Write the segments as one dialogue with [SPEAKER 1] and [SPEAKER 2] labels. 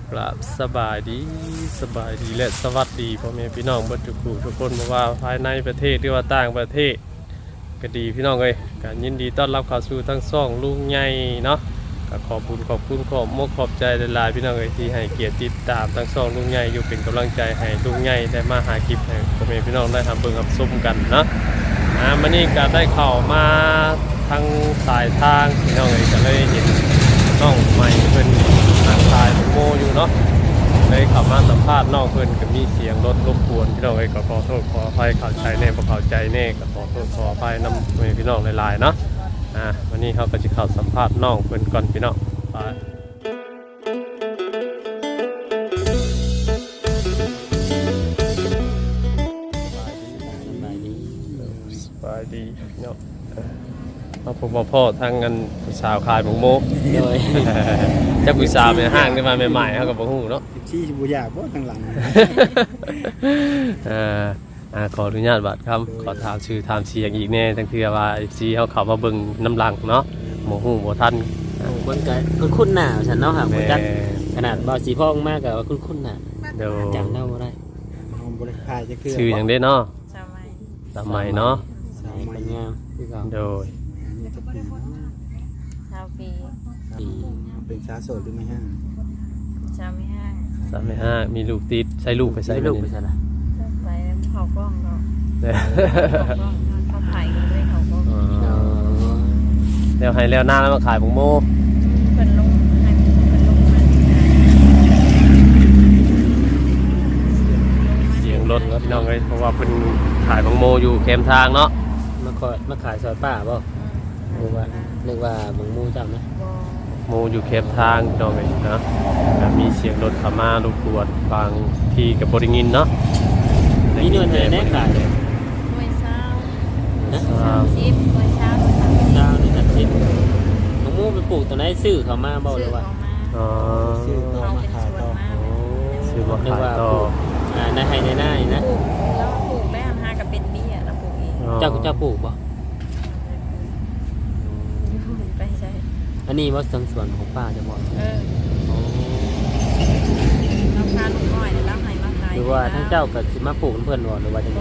[SPEAKER 1] กราบสบายดีและสวัสดีพ่อแม่พี่น้องเบิดทุกคนบ่ว่าภายในประเทศหรือว่าต่างประเทศก็ดีพี่น้องเอ้ยก็ยินดีต้อนรับเข้าสู่ทั้งช่องลุงใหญ่เนาะก็ขอบคุณขอบใจหลายๆพี่น้องเอ้ยที่ให้เกียรติติดตามทั้งช่องลุงใหญ่อยู่เป็นกำลังใจให้ลุงใหญ่ได้มาหาคลิปให้พ่อแม่พี่น้องได้เบิ่งรับชมกันเนาะมื้อนี้ก็ได้เข้ามาทางสายทางพี่น้องเอ้ยก็เลยเห็นน้องใหม่เพิ่นทางสายโมอยู่เนาะเลยขับมาสัมภาษณ์น้องเพิ่นก็มีเสียงรถรบกวนพี่น้องเอ้ยก็ขอโทษขออภัยเข้าใจแน่บ่เข้าใจแน่ก็ขอโทษขออภัยนำพี่น้องหลายๆเนาะวันนี้เขาก็จะเข้าสัมภาษณ์น้องเพิ่นก่อนพี่น้องไปสบายดีพี่น้องมาพบมาพ่อทางกันสาวขายหมูโมโดยจะกุยสาวในห้างได้มาใหม่ๆเขากับบ่ฮู้เนาะ
[SPEAKER 2] ชี้บุญยากบ่ทางหลัง
[SPEAKER 1] ขออนุญาตบัดคำขอถามชื่อถามเสียงอีกแน่ตั้งแต่ว่าซีเขาเข้ามาเบิ่งน้ำลังเนาะบ่ฮู้บ่ทัน
[SPEAKER 3] เบิ่งก็คุ้นหน้าฉันเนาะครับบ่จักขนาดบ่สีพ่องมากก็คุ้นหน้า
[SPEAKER 1] เดี๋ยว
[SPEAKER 3] จำได้บ่ได้
[SPEAKER 2] บ่ได้พายจักคือ
[SPEAKER 1] ชื่อหยังได้เนาะสมัยเนาะ
[SPEAKER 3] สมัยงามคือเก่า
[SPEAKER 1] โดย
[SPEAKER 4] ปี
[SPEAKER 2] เป็นสาวโสดหรือไม่ฮะ
[SPEAKER 1] 35มีลูกติดใส่ลูกไปใส่
[SPEAKER 3] ลูกไปใส่ล่ะ
[SPEAKER 4] ไปเขากล้องเนาะเขาถ่ายกันเลยเขากล้อง
[SPEAKER 1] แล้วให้แล้วหน้าแล้วมาขายหมูโม
[SPEAKER 4] เพิ่นลงให้เพิ่นลงมา
[SPEAKER 1] เสียงรถพี่น้องเอ้ยเพราะว่าเพิ่นขายหมูโมอยู่แคมทางเนาะ
[SPEAKER 3] มาขายซอยป้าบ่นึกว่าหมูเจ้านะ
[SPEAKER 1] โมอยู่แคมทางพี่น้องเอ้ยนะมีเสียงรถเข้ามารบกวนบางทีก็บ่ได้ยินเนาะ
[SPEAKER 3] มีเงินให้ได้ขาย
[SPEAKER 4] ด้วยเช้า30ด้วยเช้า
[SPEAKER 3] นี่จัดสิหมูไปปลูกตรงไหนซื้อเขามาบ่หรือว่า
[SPEAKER 2] ซื้อเขามาขายต่อ
[SPEAKER 1] ซื้อมาขายต่อ
[SPEAKER 3] ในไห้ในหน้านี่นะ
[SPEAKER 4] แล้วปลูกได้หากับเป็นเบี้ยแล้วปลูกเอง
[SPEAKER 3] เจ้าปลูกบ่
[SPEAKER 4] ไปใช่
[SPEAKER 3] อันนี้ว่าสังส่วนของป้าจะบอก
[SPEAKER 4] เราพาลูกน้อยแล้วให้มาขาย
[SPEAKER 3] หรือว่าทั้งเจ้ากับสิมาปลูกเพื่อนหรือว่าจะไง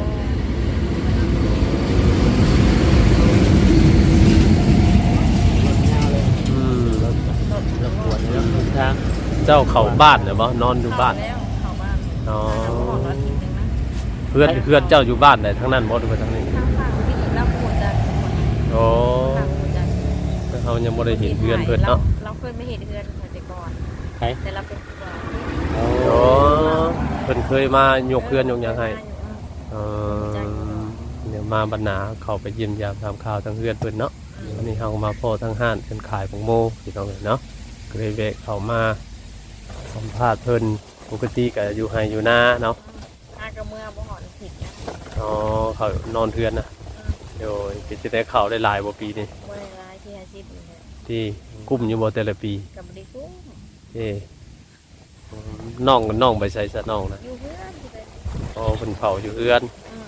[SPEAKER 3] รบกวนแล้วทาง
[SPEAKER 1] เจ้าเข้าบ้านเหรอบ่นอนอยู่บ้าน
[SPEAKER 4] เข้าบ้าน
[SPEAKER 1] อ๋อเพื่อนเจ้าอยู่บ้านไหนทั้งนั้นบ่หรือว่าทั้งนี้
[SPEAKER 4] ทางฝั่งที่รับปลูกจาก
[SPEAKER 1] โอ้เขายังไม่ได้เห็นเพื่อนเพื่อนเนาะ
[SPEAKER 4] เราเคยไม่เห็นเพื่อนแต่ก่อนแต่เราเป็นก่อน
[SPEAKER 1] โอ้เพื่อนเคยมายกเพื่อนยกยังให้เดี๋ยวมาบรรณาเขาไปเยี่ยมยามทำข่าวทั้งเพื่อนเพื่อนเนาะวันนี้เขามาพ่อทั้งห้านเป็นขายของโมที่น้องเนาะก็เลยแวะเขามาสัมภาษณ์เพื่อนปกติก็อยู่ให้อยู่หน้าเนาะ
[SPEAKER 4] กระเมื่อบ่หอนผิดนะ
[SPEAKER 1] อ๋อเขานอนเพื่อนนะโดยจะได้ข่าวได้หลายปีนี่ที่กุ้มอยู่บ่แต่ละปี
[SPEAKER 4] กับได้กุ้ม
[SPEAKER 1] น้องไปใส่ซะน้องนะ
[SPEAKER 4] อยู่เพื่อน
[SPEAKER 1] อ๋อเพิ่นเผาอยู่เพื่อน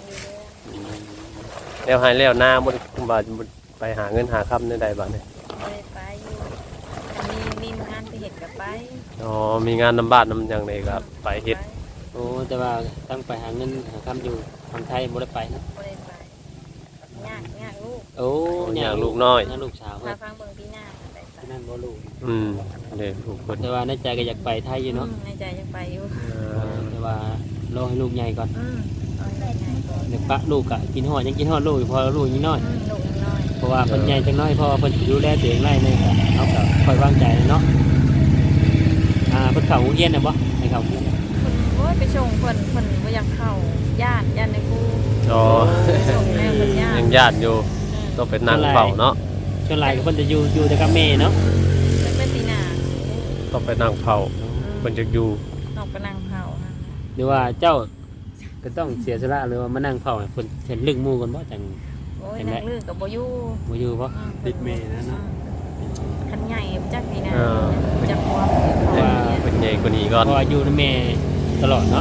[SPEAKER 1] แล้วให้แล้วหน้าบ่ว่าไปหาเงินหาค่ำได้บัดนี้
[SPEAKER 4] ไปอยู่มีงานไปเฮ็ดก็ไป
[SPEAKER 1] อ๋อมีงานนำบ้านนำหยังนี่ก็ไปเฮ็ด
[SPEAKER 3] โอ้แต่ว่าตั้งไปหาเงินหาค่ำอยู่ทางไทยบ่ได้ไปนะ
[SPEAKER 4] บ่ได้ไปยากลูก
[SPEAKER 3] โอ้
[SPEAKER 1] ยากลูกน้อย
[SPEAKER 3] ยากลูกสาว
[SPEAKER 4] พาฟังเบิ่งพี่หน้า
[SPEAKER 3] ที่นั่นบ่ลูก
[SPEAKER 1] เด้ลูกเพิ่น
[SPEAKER 3] แต่ว่าในใจก็อยากไปไทยอยู่เนาะ
[SPEAKER 4] ในใจอยากไปอยู่
[SPEAKER 3] แต่ว่ารอให้ลูกใหญ่ก่อนเดี๋ยวปะลูกก็กินฮอดยังกินฮอดลูกพอลูกยังน้อยเพราะว่าเพิ่นใหญ่จังน้อยเพราะว่าเพิ่นดูแลตัวเองได้เลยก็เอาก็ค่อยวางใจเนาะเพิ่นเข้าโรงเรียนน่ะบ่ให้เข้าโรงเรียน
[SPEAKER 4] โอ้ยไปส่งเพิ่นบ่อยากเข้าย่านในกู
[SPEAKER 1] อ๋อยังญาติอยู่ต้องเป็นนางเฝ้าเนาะ
[SPEAKER 3] ส่วนหลายก็เพิ่นจะอยู่แต่กับแม่เนาะ
[SPEAKER 4] เป็นปีหน้า
[SPEAKER 1] ต้องไปนางเฝ้าเพิ่นจะอยู่
[SPEAKER 4] ต้องไปนางเฝ้า
[SPEAKER 3] หรือว่าเจ้าก็ต้องเสียสละหรือว่ามานั่งเฝ้าเพิ่นเห็นลึกหมู่กันบ่จัง
[SPEAKER 4] โอ้ยนั่งลึกก็บ่
[SPEAKER 3] อยู่บ่
[SPEAKER 2] ติดแม่นะเนาะ
[SPEAKER 4] คันใหญ่จักปีหน้าจักพอ
[SPEAKER 1] ว่าเป็นใหญ่กว่านี้ก่อน
[SPEAKER 3] เพราะอยู่ในแม่ตลอดเนาะ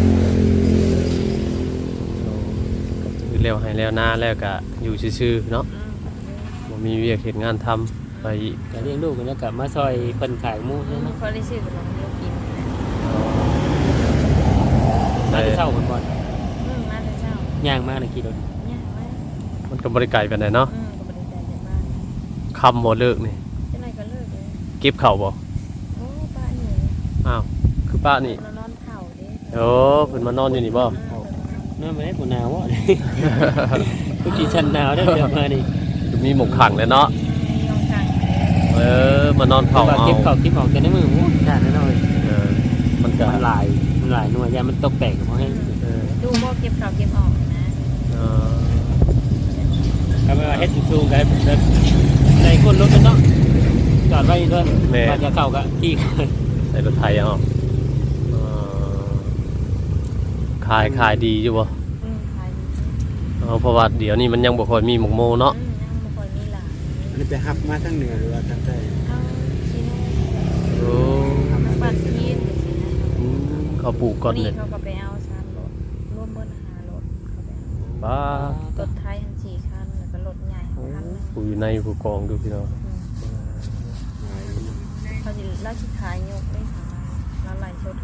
[SPEAKER 1] เร็วให้แล้วหน้าแล้วก็อยู่ซื่อๆเนาะบ่มีเวียกเฮ็ดงานทำไป
[SPEAKER 3] ก็เลี้ยงลูกแล้วก็มาซอยเพิ่นขายหมูใช่มั้ย
[SPEAKER 4] พอได้ซื้อขนมกิน
[SPEAKER 3] มาที่เช้าเพิ่นบ่
[SPEAKER 4] มาแต่เช้า
[SPEAKER 3] ย่างมาในขี่รถ
[SPEAKER 4] เนี่ยมา
[SPEAKER 1] มันก็บ่ได้ไกลปานใดเนาะ
[SPEAKER 4] ก็บ่ได้ใจจากบ้าน
[SPEAKER 1] ค่ำบ่เลิกนี่
[SPEAKER 4] จังได๋ก็เลิกเลย
[SPEAKER 1] เก็บข้าวบ่
[SPEAKER 4] โอ้ป้านี่
[SPEAKER 1] อ้าวคือป้านี่
[SPEAKER 4] นอนเผาเด้
[SPEAKER 1] โอ้เพิ่นมานอนอยู่นี่บ่
[SPEAKER 3] นั่นบ่ได้บ่หนาวบ่กูกินชั้นหนาวได้เดี๋ยวมานี่
[SPEAKER 1] มีหมกขังแล้วเนาะ
[SPEAKER 4] ยองกัง
[SPEAKER 1] มานอนเผา
[SPEAKER 3] ว่า
[SPEAKER 1] เอา
[SPEAKER 3] เก็บข้าวเก็บออกแต่ในมือโอ้ชาติแน่นอน
[SPEAKER 1] เออมันก็
[SPEAKER 3] มันหลายหน่วยยามันตกแตกเพราะให้
[SPEAKER 1] เออ
[SPEAKER 4] ดูบ่เก็บข้าวเก็บออกนะ
[SPEAKER 1] เออ
[SPEAKER 3] เอาไปว่าเฮ็ดสูงๆกันแบบในคนรถกันเนาะจอดไว้เพิ่นว่าจะเข้าก็ขี่
[SPEAKER 1] ใส่รถไถเอาเออขายดีอยู่บ่
[SPEAKER 4] ขายดี
[SPEAKER 1] เอาเพราะว่าเดี๋ยวนี้มันยังบ่ค่อยมีหมกโมเนาะ
[SPEAKER 4] ยังบ่ค่อยมีหลาน
[SPEAKER 2] อันนี้ไปฮับมาทั้งเหนือหรือว่าทั้งใต้
[SPEAKER 4] เอาชิโน่
[SPEAKER 1] โอ้
[SPEAKER 4] มาปั่นทีนสินะ
[SPEAKER 1] เขาปลูกก่อน
[SPEAKER 4] นี่
[SPEAKER 1] เลย
[SPEAKER 4] เขาก็ไปเอา3รถรวมเบิด5รถเขาไปเอา
[SPEAKER 1] ป้าร
[SPEAKER 4] ถไทยทั้ง4คันแล้วก็รถใหญ่คันนึง
[SPEAKER 1] ผู้อยู่ในผู้กองดูพี่น้อง
[SPEAKER 4] เขาสิราชขายยกได้ค่ะแล้วไหลชด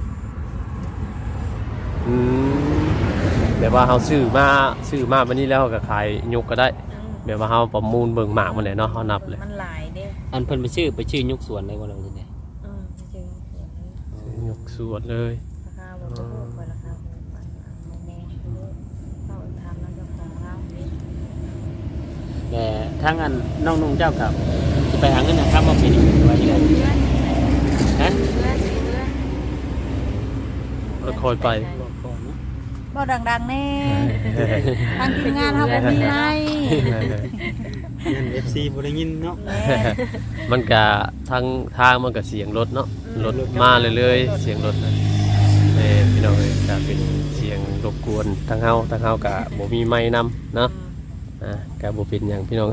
[SPEAKER 1] อืมแบบว่าเฮาซื้อมาวันนี้แล้วก็ขายยกก็ได้ แบบว่าเฮาประมูลเบิ่งหมากมันแหละเนาะเฮานับเลย
[SPEAKER 4] มันหลายเด้
[SPEAKER 3] อันเพิ่นไปชื่อยุคสวนได้บ่ล่ะจังได๋
[SPEAKER 4] จริงๆ
[SPEAKER 1] ยกสวดเลย
[SPEAKER 4] ราคาบ่ถูกกว่าราคาของมันโมเราทำนั่นเจ้าของเรานี่
[SPEAKER 3] แต่ทางอันน้องนุ่งเจ้ากับสิไปหาเงินนะครับบ่เป็นว่าจังได๋ฮะ
[SPEAKER 1] แล้วค่อยไป
[SPEAKER 4] บ่ดังๆแน่ทางทีมงานเฮาบ่มีไม้
[SPEAKER 2] เงิน FC บ่ได้ยินเนาะ
[SPEAKER 1] มันก็ทางมันก็เสียงรถเนาะรถมาเรื่อยๆเสียงรถนะพี่น้องเอ้ยก็เป็นเสียงรบกวนทางเฮาก็บ่มีไม้นำเนาะก็บ่เป็นหยังพี่น้อง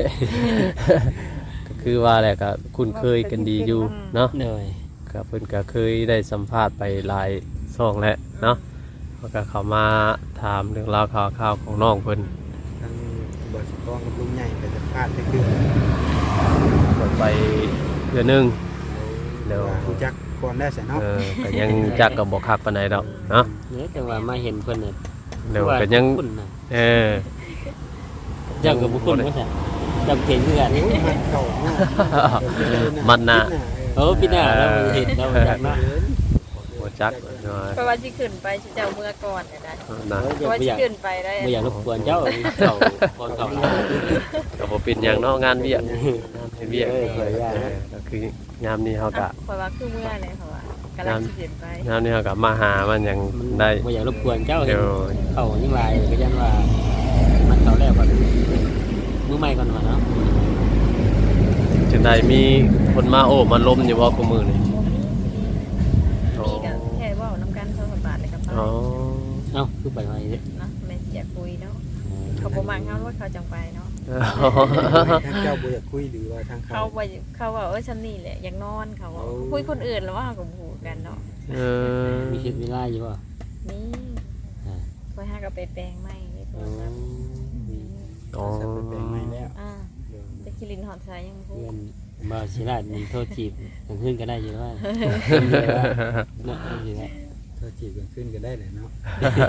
[SPEAKER 1] ก็คือว่าแหละก็คุ้นเคยกันดีอยู่เนาะ
[SPEAKER 3] เหนื่อย
[SPEAKER 1] ก็เพิ่นก็เคยได้สัมภาษณ์ไปหลายช่องแล้วเนาะเขาก็เข้ามาถามเรื่องราวข่าวของน้องเพิ่น
[SPEAKER 2] ทั้งบ่สิกองกับลุงใหญ่ไปสัมภาษณ์จักเทื่อ
[SPEAKER 1] เพิ่นไปเดือนหนึง เดี๋ยว
[SPEAKER 2] รู้จักก่อนได้ซะเนาะ
[SPEAKER 1] ก็ยังจักก็บ่คักปานใดดอกเนาะ
[SPEAKER 3] เนี่ยแต่ว่ามาเห็นเพิ่นน่ะ
[SPEAKER 1] เดี๋ยวก็ยัง
[SPEAKER 3] คุ้นน่ะ
[SPEAKER 1] เออ
[SPEAKER 3] เจ้าก็บ่คุ้นว่าซั่นเจ้าเห็นคือกัน
[SPEAKER 2] มันเข้าเนาะ
[SPEAKER 1] มันน่ะ
[SPEAKER 3] พี่หน้าเราเห็นเราจักเนาะ
[SPEAKER 1] บ่จักเนาะ
[SPEAKER 4] เพราะว่าสิขึ้นไปสิเจ้าเมื่อก่อนได้
[SPEAKER 1] นะ
[SPEAKER 4] เพราะว่าสิขึ้นไปได้
[SPEAKER 3] บ่อยากรบกวนเจ้าเข้าก่อนเข้า
[SPEAKER 1] ก็บ่เป็นหยังเนาะงานเวียกงานเวียกก็คือยามนี้เฮาก็
[SPEAKER 4] เพราะว่าคือเมื่อเลยเพราะว่ากำลังสิขึ้นไป
[SPEAKER 1] ยามนี้เฮาก็มาหามันหยังได้
[SPEAKER 3] บ่อยากรบกวนเจ้าเห็
[SPEAKER 1] เดี๋
[SPEAKER 3] น
[SPEAKER 1] ยว
[SPEAKER 3] เข้ายังหลายก็ยันว่ามันเข้าแล้วก่อนมือใหม่ก่อนว่าเนาะ
[SPEAKER 1] จังไดมีคนมาโอ้มาล้มอยู่บ่กูมือนี่
[SPEAKER 4] มีก็แค่เว้านํกัน2-3บาทเลยกับป้า
[SPEAKER 1] อ๋อ
[SPEAKER 3] เอ้าคือไปไว้เด้
[SPEAKER 4] นะแม่สิอยากคุยเนาะเขาบ่มักเฮาว่าเขาจังไปเนาะ
[SPEAKER 2] ทางเจ้าบ่อยากคุยหรือว่าทางเขา
[SPEAKER 4] เขาว่าฉันนี่แหละอยากนอนเขาว่าคุยคนอื่นแล้วว่าเขาก็พูดกันเนาะ
[SPEAKER 1] เออ
[SPEAKER 3] มีคิดเวลาอยู่บ่
[SPEAKER 4] นี่คอยหากับไปแปลงใหม่นี่โท
[SPEAKER 3] อ๋
[SPEAKER 4] รศัพท์
[SPEAKER 1] อ๋อ
[SPEAKER 2] จะไปแปลงใหม่แล้ว
[SPEAKER 4] จะคิรินหอดสายยังพู
[SPEAKER 3] เพื่อ
[SPEAKER 4] ด
[SPEAKER 3] นบ่สิลาดมีโทษจีบกันขึ้นก็ได้อยู่ว่าเนาะสิได้
[SPEAKER 2] ถ้าจีบกันขึ้นก็ได้เลยเนาะ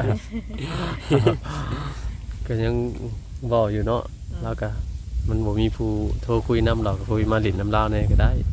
[SPEAKER 1] ก็ยังบอกอยู่เนาะแล้วก็มันบ่มีผู้โทรคุยน้ำเราก็คุยมาหลินน้ำเล่าเนี่ยก็ได้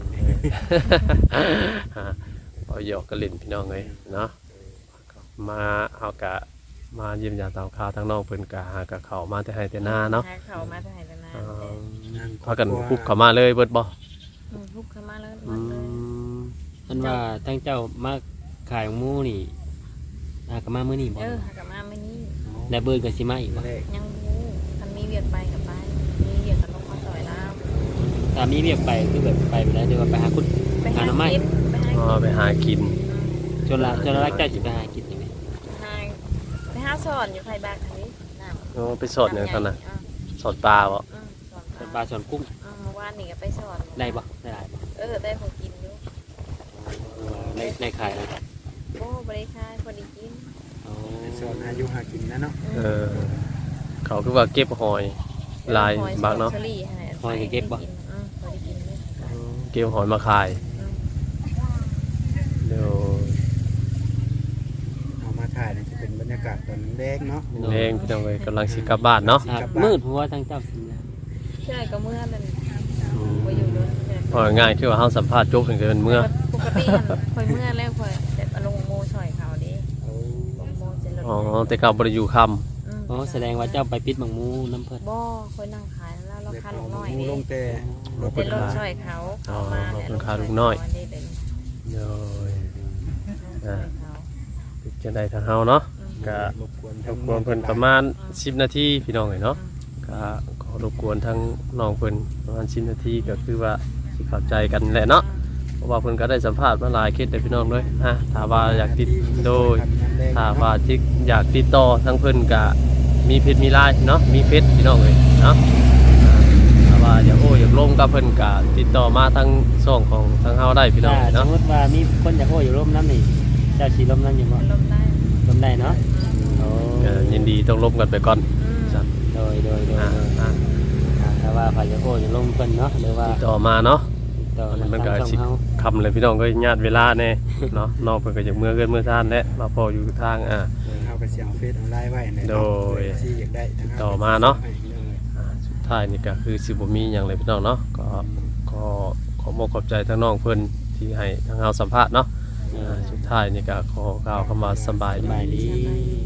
[SPEAKER 1] เอาหยอกก็หลินพี่น้องเลยเนาะมาเอากะมาเยี่ยมยามตามข่าวทั้งน้องเพิ่นกะหากะเข้ามาแต่ให้แต่หน้าเนาะ
[SPEAKER 4] เขามาถ่ายแล้วนะ
[SPEAKER 1] พากันคุบเข้ามาเลยเบิดบ่
[SPEAKER 4] ทุกเข้ามาเลย
[SPEAKER 1] อืม
[SPEAKER 3] อันว่าทั้งเจ้ามาขายหมูนี่ก็มามื้อนี้บ่
[SPEAKER 4] หากับมาไม่นี่
[SPEAKER 3] และเบิดก็สิมาอีกบ่
[SPEAKER 2] แรก
[SPEAKER 4] ยังพูทันมีเวียดไปกับไปมีเวียดกับลงมาต่อยแล้ว
[SPEAKER 3] ถ้ามีเรียกไปคือแบบไปได้เดี๋ยวไปหาคุณ
[SPEAKER 4] ไปหาน้ำไม้ไปหา
[SPEAKER 1] อ๋อไปหากิน
[SPEAKER 3] จนละเจ้าสิไปหากินได้ไหม
[SPEAKER 4] ไปหาสอนอยู่ใครบ้างอันนี้น้ำ
[SPEAKER 1] อ๋อไปสดอย่างนั้นน่ะสดปลาบ่
[SPEAKER 4] สอน
[SPEAKER 3] ปลาสอนกุ้ง
[SPEAKER 4] เมื่อวานนี่ก็ไปสอน
[SPEAKER 3] ได้บ่ได้หลายบ่
[SPEAKER 4] ได้พอกินอยู่
[SPEAKER 3] ได้ขายแล้ว
[SPEAKER 4] โอ้บริการพอดีกิน
[SPEAKER 2] สอนอายุหากินนะเนาะ
[SPEAKER 1] เขาคือว่าเก็บหอยลายบากเนาะ
[SPEAKER 4] พอดีกินเลย
[SPEAKER 1] เก็บหอยมาขายเดี๋ยว
[SPEAKER 2] เอามาถ่ายนี่จะเป็นบรรยากาศตอนแดงเนาะ
[SPEAKER 1] แรงพี่น้องเอ้ยกำลังสิกลับบ้านเนาะ
[SPEAKER 3] มืดหัวทั้งเจ้าสินะ
[SPEAKER 4] ใช่ก็เมื่อนั่น
[SPEAKER 1] อืม
[SPEAKER 4] ไปอยู่รถแต่
[SPEAKER 1] พอง่ายคือว่าเฮาสัมภาษณ์จบถึงจะเป็นเมื่อ
[SPEAKER 4] ปกติมันคอยเมื่อแล้วคอยแต่ลงโมช่อยเขาดิ
[SPEAKER 2] เอา
[SPEAKER 4] ลงโมจะลด
[SPEAKER 1] อ๋อแต่เก่าบ่ได้อยู่ค่ำ
[SPEAKER 3] อ๋อแสดงว่าเจ้าไปปิดบังมูน้ำเพิ่น
[SPEAKER 4] บ่คอยนั่งขายแล้วเรา
[SPEAKER 2] เด็ก
[SPEAKER 4] คัน
[SPEAKER 2] เอา
[SPEAKER 4] ลูกน้อย
[SPEAKER 2] หมู
[SPEAKER 4] ดิ
[SPEAKER 2] ลงแต่
[SPEAKER 4] เป็นรถช่อยเขาเขามา
[SPEAKER 1] เป็นคาลูกน้อย
[SPEAKER 4] เป็น
[SPEAKER 1] โอ้ย
[SPEAKER 4] ช่อยเขา
[SPEAKER 1] จะได้ทางเฮาเนาะก็
[SPEAKER 2] รบกวน
[SPEAKER 1] รบกวนเพิ่นประมาณ10นาทีพี่น้องเอ้ยเนาะก็ขอรบกวนทั้งน้องเพิ่นประมาณ10นาทีก็คือว่าสิเข้าใจกันแหละเนาะเพราะว่าเพิ่นก็ได้สัมภาษณ์มาหลายเคสเลยพี่น้องด้วยถ้าว่าอยากติดโดยถ้าว่าที่อยากติดต่อทั้งเพิ่นก็มีเพจมีไลน์เนาะมีเฟซพี่น้องเอ้ยเนาะถ้าว่าอยากอยากลงกับเพิ่นก็ติดต่อมาทางช่องของทางเฮาได้พี่น้อง
[SPEAKER 3] ถ้า
[SPEAKER 1] เอ้ย
[SPEAKER 3] ส
[SPEAKER 1] เนาะ
[SPEAKER 3] มมติว่ามีคนอยากโอ้อยู่ร่มน้ำนี่เจ้าสีร่มน้ำอยู่บ่
[SPEAKER 4] ลมได้
[SPEAKER 3] ร่มได้เนาะโอ้
[SPEAKER 1] ก็ยินดีต้องลบกันไปก่อนครับ
[SPEAKER 3] โดยถ้าว่าฝ่ายอยากโอ้อยู่ร่มเพิ่นเนาะหรือว่า
[SPEAKER 1] ติดต่อมาเนาะ
[SPEAKER 3] ติดต่อ
[SPEAKER 1] มันก็
[SPEAKER 3] ทางช่
[SPEAKER 1] สิ
[SPEAKER 3] องเฮา
[SPEAKER 1] คำเลยพี่น้องก็ญาติเวลาแน่ เนาะน้องเพิ่นก็อยากเมื่อเกินเมื่อทานแหละมาพออยู่ทาง
[SPEAKER 2] เอาไปเสียงเฟซเอาไลน์ไว้เนี่ย
[SPEAKER 1] โดย
[SPEAKER 2] ที่อยากได้ทง
[SPEAKER 1] ต่อมาเนาะ
[SPEAKER 2] ให้เรื่องเลย
[SPEAKER 1] สุดท้ายนี่ก็คือสิบ่มีหยังเลยพี่น้องเนาะก็ขอบอกขอบใจทั้งน้องเพิ่นที่ให้ทางเฮาสัมภาษณ์เนาะสุดท้ายนี่ก็ขอกล่าวคำว่าสำบาย
[SPEAKER 3] ส
[SPEAKER 1] ดี
[SPEAKER 3] บายดี